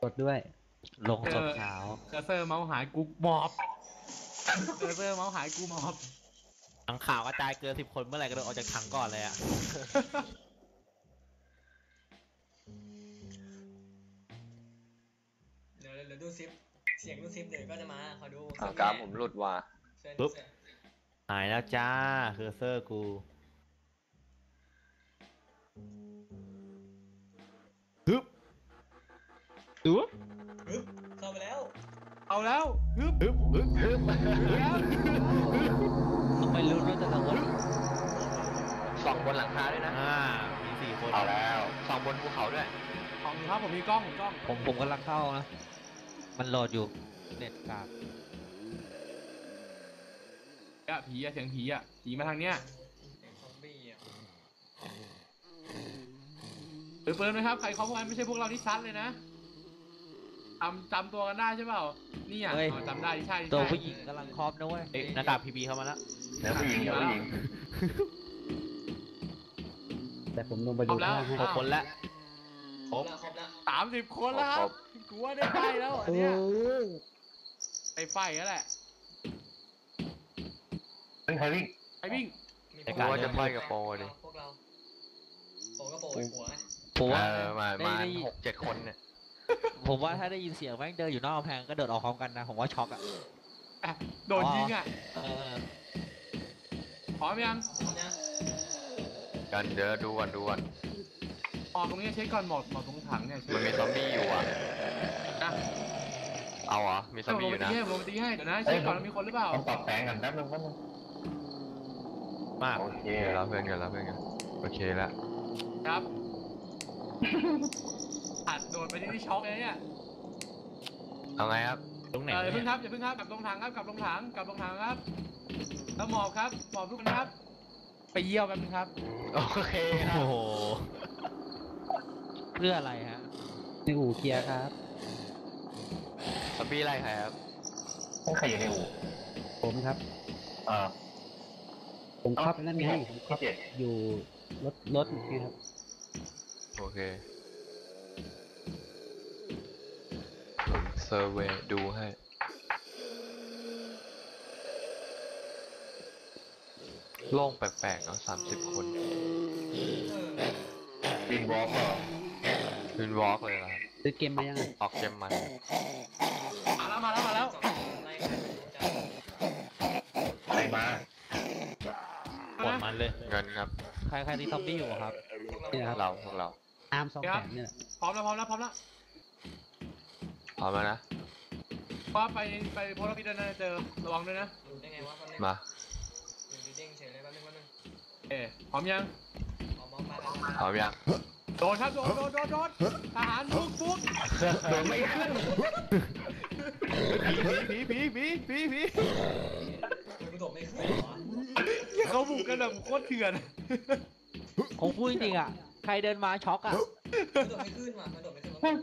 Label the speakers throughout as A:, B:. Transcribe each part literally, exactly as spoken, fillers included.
A: กดด้วยลงศพขาว
B: เคอร์เซอร์เมาส์หายกูหมอบเคอร์เซอร์เมาส์หายกูหมอบ
C: ถังข่าวกระจายเกินสิบคนเมื่อไหร่ก็โดนออกจากถังก่อนเลยอะ
D: เดี๋ยวเดี๋ยวดูซิปเสียงดูซิปเดี๋ยวก็จะมาขอดู
E: อ่ากราฟผมหลุดว่ะ
C: ปุ๊บหายแล้วจ้าเคอร์เซอร์กูฮึบฮึบ
D: ฮึบเข้าไปแล้ว
B: เอาแล้วฮึบ
C: ฮึบฮึบฮึบ
B: แล้ว
A: ต้องไปลุ้นว่าจะโดน
E: ส่องบนหลังคาด้วยนะ
C: อ่ามีสี่คน
E: เอาแล้วส่องบนภูเขาด้วย
B: ของครับผมมีกล้องผมกล้อง
A: ผมผมกำลังเข้านะมันโหลดอยู่เน็ตกาก
B: อะผีอะเสียงผีอะผีมาทางเนี้ย
D: เสียงซอมบี้อ่ะ
B: เปิดเปิดไหมครับใครเขาพวกนั้นไม่ใช่พวกเราที่ซัดเลยนะจำจำตัวกันได้ใช่เปล่านี่อ่ะอ๋อจำได้ใช่ใช่
A: ตัวผู้หญิงกำลังครอบนะเว้ย
C: เอ๊ะหน้ากากพีบีเข้ามาแล้ว
E: เดี๋ยวผู้หญิงเดี๋ยวผู้หญิง
A: แต่ผมลงไปดูข้างให้
C: หกคนแล้ว
D: ครบแล้วครบแล้ว
B: สามสิบคนแล้วครับกูว่าได้ไฟแล้วอันเนี้ยได้ไฟแล้วแหละ
E: เฮ้ยใครวิ่ง
B: ไอ้วิ่ง
D: มี
E: กูว่าจะไฟกับโปรดิ
D: พวกเราโปก็โปไอ้หัวไง
A: ผมว่า
E: เออมา
A: ได้
E: มา
A: ได้
E: หกเจ็ดคนเนี่ย
A: ผมว่าถ้าได้ยินเสียงแม่งเดินอยู่นอกกำแพงก็เดินออกพร้อมกันนะผมว่าช็อกอ่ะ
B: อ่ะโดนยิงอ่ะ
A: เออ
B: พร้อมยัง
D: พร้อมยัง
E: กันเดี๋ยวดูก่อนดูก่อน
B: ออกตรงนี้เช็คก่อนหมดหมดตรงถังเนี่ย
E: มันมีซอมบี้อยู่อ่ะ
B: นะ
E: เอาเหรอมีซอม
B: ล
E: บี้
B: ง
E: อ
B: ไป
E: ยู่
B: ตี
E: นะ
B: ให้ลงไปตีให้เดี๋ยวนะเช็คก่อนว่ามีคนหรือเปล่า
F: ต้องปรับแปลงกันแป๊บนึงแป๊บนึง
C: มาก
F: โอเค
E: เดี๋ยวรับเพื่อนกันรับเพื่อนกันโอเคแล้ว
B: ครับอัดโดนไปที่ที่ช็อกเลยเนี่ย
E: เอาไงครับ
C: ตรงไหน
B: เอออย่าเพิ่ง
C: เนี่ย
B: ครับอย่าเพิ่งครับกลับลงถังครับกลับลงถังกลับลงถังครับแล้วหมอบครับหมอบทุกคนครับ ไปเยี่ยวแป๊บนึงครับ
E: โอเคครั
C: โอ้
E: บ
C: โห
A: เพื่ออะไรฮะในอู่เคลียร์ครับ
E: ซอมบี้ไล่ใครครับ
F: ต้องใครอยู่ในอู่
A: ผมครับ
F: อ่า
A: ผมขับนั่นไงผม
F: พี่เจ็ด
A: อยู่รถรถนี่ครับ
E: โอเคผมเซอร์เวย์ดูให้โล่งแปลกๆเนาะสามสิบคน
D: เออ
F: วินวอล์กเหรอ
E: วินวอล์กเลยเหรอครับ
A: ซื้อเกมมายังไง
E: ออกเกมมัน
B: มาแล้วมาแล้วมาแล้ว
D: สองคนไล่ใครไม่รู้จัก
F: ใครมา
C: ปวดมันเลย
E: เงินครับ
A: ใครใครที่ซอมบี้อยู่ครับ
D: พวกเรา
A: นี่นะครับ
E: เราพวกเรา
A: อาร์มสองแสนเนี่ย
B: พร้อมแล้วพร้อมแล้วพร้อมแล้ว
E: พร้อมแล้วนะ
B: ว่าไปไปโพลาร์พิดนะเจอระวังด้วยนะ
D: ดูได้ไงวะแป๊บนึง
E: มา
D: ดูดีเด้งเฉยเลยแป๊บนึงแป๊บนึง
B: เอ๊พร้อมยัง
D: ออกมองไปแล้ว
E: พร้อมยัง
B: โดนครับโดนโดนโดนโดนทหารฟุกฟุก
E: โดนไม่ขึ้น
B: ผีผีผีผีผีผี
D: มันกระโดดไม่ขึ้นเหรอ
B: อย่าเขาบุกกันแบบโคตรเถื่อน
A: ผมพูดจริงๆอ่ะใครเดินมาช็อกอ่ะ
D: กระโดดไม่ขึ้นว่ะกระโดดไม่ขึ้นว่ะ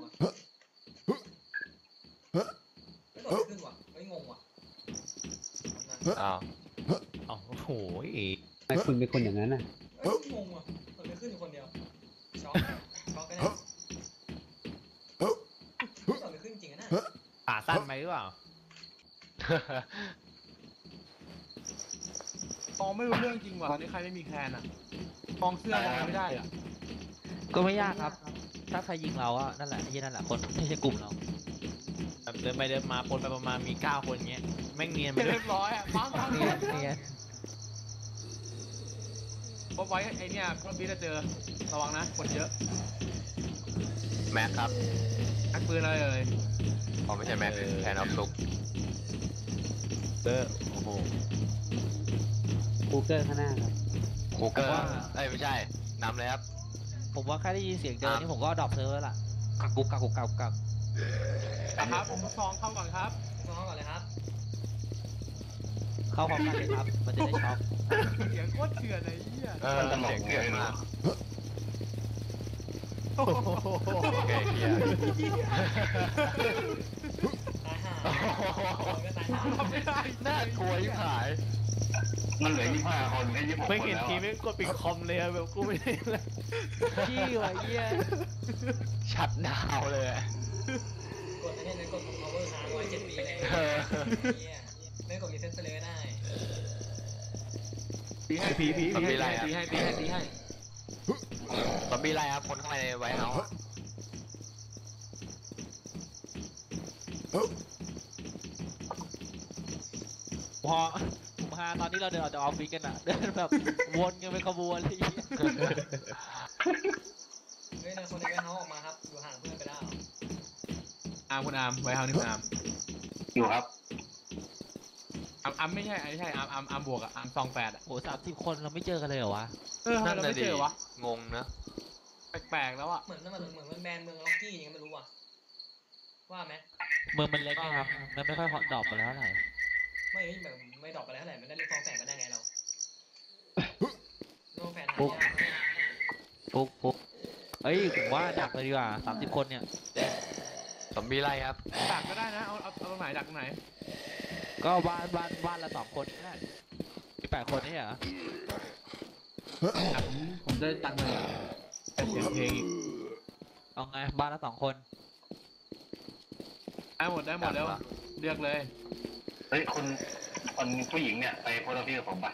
D: กระโดดไม่ขึ้นว่ะเฮ้ยงงว่ะ
E: อ้าว
C: อ้าวโอ้โห
A: ทำไมคุณเป็นคนอย่างนั้นอ่ะ
D: เฮ้ยงงว่ะกระโดดไม่ขึ้นอยู่คนเดียวช็อกช็อกกันแน่กระโดดไม่ขึ้นจริงอะนะ
C: ขาสั้นไหมหรือเปล่า
B: มองไม่รู้เรื่องจริงว่ะตอนนี้ใครไม่มีแคนอ่ะมองเสื้อมองไม่ได้อ่ะ
A: ก็ไม่ยากครับ ถ้าใครยิงเราอ่ะนั่นแหละไอ้ยี่นั่นแหละคนที่ใช่กลุ่มเรา
C: แบบเดินไปเดินมาปนไปประมาณมีเก้าคนเงี้ยแม่งเนียนไปเล
B: เรี
C: ย
B: ยบร้อยอ่ะฟังฟัง
A: เนียนเนียน
B: พอไว้ไอเนี่ยพอบีจะเจอระวังนะคนเยอะ
E: แม็กครับ
B: อักปืนอะไรเอ่ย
E: อ๋อไม่ใช่แม็กแคนออฟซุก
C: เออโอ้โห
A: คูเกอร์ข้างหน้าครับ
E: คูเกอร์เอ้ยไม่ใช่นำเลยครับ
A: ผมว่าแค่ได้ยินเสียงเดินนี่ผมก็ดรอปเซิร์ฟแล้วล่ะกักกุกกักกุกกักกุกกัก
B: นะครับผมซองเข้าก่อนครับ
D: น้องก่อนเลยครับ
A: เข้าพร้อมกันเลยครับ มันจะได้ช็อก
B: เสียงโคตรเถื่อนไอ้เหี้ย
E: เออเสียงเกลียดมาก
B: โอ้โห
E: โอเคเคลียร์
D: ตายห่าก็ตายห่า
B: ทำไม่ได้
E: น่ากลัวยิ่งหาย
F: มันเหลือยี่สิบห้าคนแค่ยี่สิบหกคน
C: ไม่เห็น
F: แล้ว
C: ทีมไม่กดปิดคอมเลยอะแบบกูไม่ได้เลย
A: ขี้ว่ะเยี่ย
E: ชัดดาวเลย
D: กดอันนี้เลยกดของ power ค้างไว้เจ็ดปีเลย
E: เออ
D: เนี่ยไม่กดรีเซ็ตเลยก็ได้
B: ตีให้ตีตีตีให้ตีให้ตีให้ตีให้
E: ซอมบี้ไรครับคนข้างในไวท์เฮาส์
A: พอผมฮาตอนนี้เราเดินออกจากออฟฟิศกันอะเดินแบบวนกันเป็นขบวนเลย
D: เฮ้ยในคนในแวร์เฮาส์ออกมาครับอยู่ห่างเพื่อนไปได้
B: อาร์มคุณอาร์มไว้เฮานี่คุณอาร์ม
F: อยู่ครับ
B: อาร์มอาร์มไม่ใช่ไม่ใช่อาร์มอาร์มอาร์มบวกอะอาร์มซองแปดอะ
A: โหสามสิบคนเราไม่เจอกันเลยเหรอวะ
B: เออทำไมเราไม่เจอวะ
E: งงนะ
B: แปลกๆแล้วอะ
D: เหมือนมันเหมือนมันแบนเมืองล็อกกี้ยังไงไม่รู้อ่ะว่าไหม
A: เมืองมันเล็กไงครับมันไม่ค่อยฮอตดรอปไปแล้วเท่าไหร่
D: ไม่แบบไม่ดรอปไปแล้วเท่าไหร่มันได้เรียกฟองแสงมาได้ไงเราโลแฟนหายาก
A: ปุ๊บปุ๊บเอ้ยผมว่าดักเลยดีกว่าสามสิบคนเนี่ย
E: ซอมบี้ไรครับ
B: ดักก็ได้นะเอาเอาเอาตรงไหนดักตรงไหน
A: ก็บ้านบ้านบ้านละสองคนก็ได้มีแปดคนนี่เหรอ
B: ดักผมผมจะตัดเลยแต่เสียงเพลงอีก
A: เอาไงบ้านละสองคน
B: ได้หมดได้หมดแล้วเลือกเลย
F: เฮ้ยคนคนผู้หญิงเนี่ยไปโพสต์ออฟฟิศกับผมปะ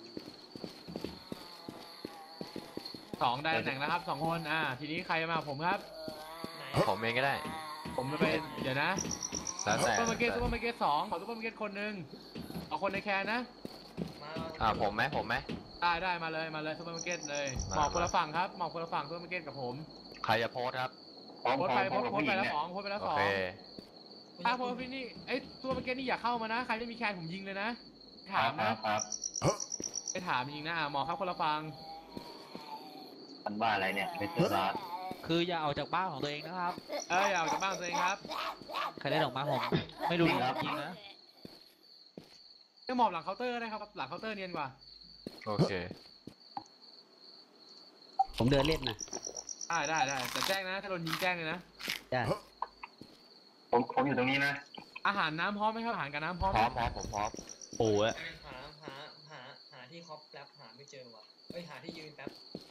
B: สองได้ตำแหน่งแล้วครับสองคนอ่าทีนี้ใครมาผมครับ
D: ไหน
E: ผมเองก็ได้
B: ผมจะไปเดี๋ยวนะ
E: แล้ว
B: ซุป
E: แต่
B: เปอร์มาร์เก็ตซุปเปอร์มาร์เก็ตสองขอซุปเปอร์มาร์เก็ตคนหนึ่งเอาคนในแคนนะ
D: มา
E: อ่าผมไหมผมไหม
B: ได้ได้มาเลยมาเลยซุปเปอร์มาร์เก็ตเลย
E: มา
B: หมอกคนละฝั่งครับหมอกคนละฝั่งซุปเปอร์มาร์เก็ตกับผม
E: ใครจะโพสต์ครับ
F: พร้อม
B: โพส
F: พ
B: ต์
F: ร้อ
B: ไป
F: ม
B: โพ
F: พร้อ
B: ส
F: ม
B: ต์
F: กับ
B: โพสต์
F: ผู้ห
B: ไป
F: ญิง
B: แล้ว
F: เนี่ย
B: สองโพสต์ไปแล้ว
E: โอ
B: สอง
E: เค
B: ถ้าโพสต์พี่นี่เอ้ยซุปเปอร์มาร์เก็ตนี่อย่าเข้ามานะใครไม่มีแคนผมยิงเลยนะ
F: ค
B: ถา
F: รั
B: ม
F: บครั
B: นะ
F: บครับ
B: ไปถามจริงนะอ่ะหมอครับคนละฝั่ง
F: มันบ้าอะไรเนี่ยเป็นเจอร้าน
A: คืออย่าออกจากบ้านของตัวเองนะครับ
B: เอ้ยอย่าออกจากบ้านตัวเองครับ
A: ใครได้ออกมาผมไม่รู้จริงๆนะ
B: จะหมอบหลังเคาน์เตอร์ได้ครับหลังเคาน์เตอร์เนียนกว่า
E: โอเค
G: ผมเดินเล่นนะ
B: ได้ได้ได้แต่แจ้งนะถ้าโดนยิงแจ้งเลยนะ
G: ได้
F: ผมผมอยู่ตรงนี้นะ
B: อาหารน้ำพร้อมไหมครับอาหารกับน้ำพร้อม
E: พ
B: ไหม
E: ร้อมพร้อมผมพร้อม
A: โอ้ย
D: หาหาหาหาที่คอปแป๊บหาไม่เจอว่ะเอ้ยหาที่ยืนแป๊บ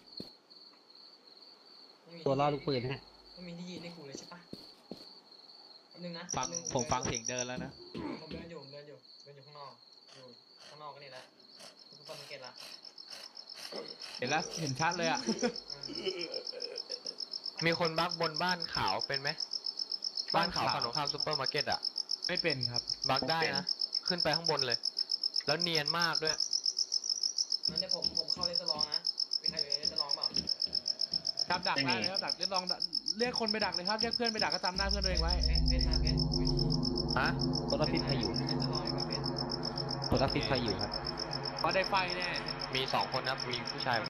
D: ไม่มี
G: ตัวล่อลูกปืนฮะ
D: ไม่มีที่ยืนให้กูเลยใช่ปะแป๊บนึงนะ
A: ฟัง
D: แป๊บนึ
A: ผมฟังเสียงเดินแล้วนะ
D: ผมเดินอยู่ผมเดินอยู่เดินอยู่ข้างนอกอยู่ข้างนอกก็นี่แหละซุปเปอร์มาร์เก็ตละ
B: เห็นแล้วเห็นชัดเลยอ่ะ
E: มีคนบักบนบ้านขาวเป็นไหมบ้านขาวฝั่งตรงข้ามซูเปอร์มาร์เก็ตอะ
B: ไม่เป็นครับ
E: บักได้นะ ขึ้นไปข้างบนเลย แล้วเนียนมากด้วย
D: งั้นเดี๋ยวผมผมเข้าเลนส์ลองนะมีใครอยู่ในเลนส์ลองเปล่า
B: ครับดักได้เลยครับดักเรียกลองเรียกคนไปดักเลยครับเรียกเพื่อนไปดักก็จำหน้าเพื่อนตัวเองไว้
D: เพชรเพชรมาเพชร
E: ฮะ
G: ตัวรับพิษใครอยู่
D: เลนส์ลองดีกว่าเพชร
G: ตัวรับพิษใครอยู่ครับ
B: เพราะได้ไฟแน่
E: มีสองคนครับ มีผู้ชาย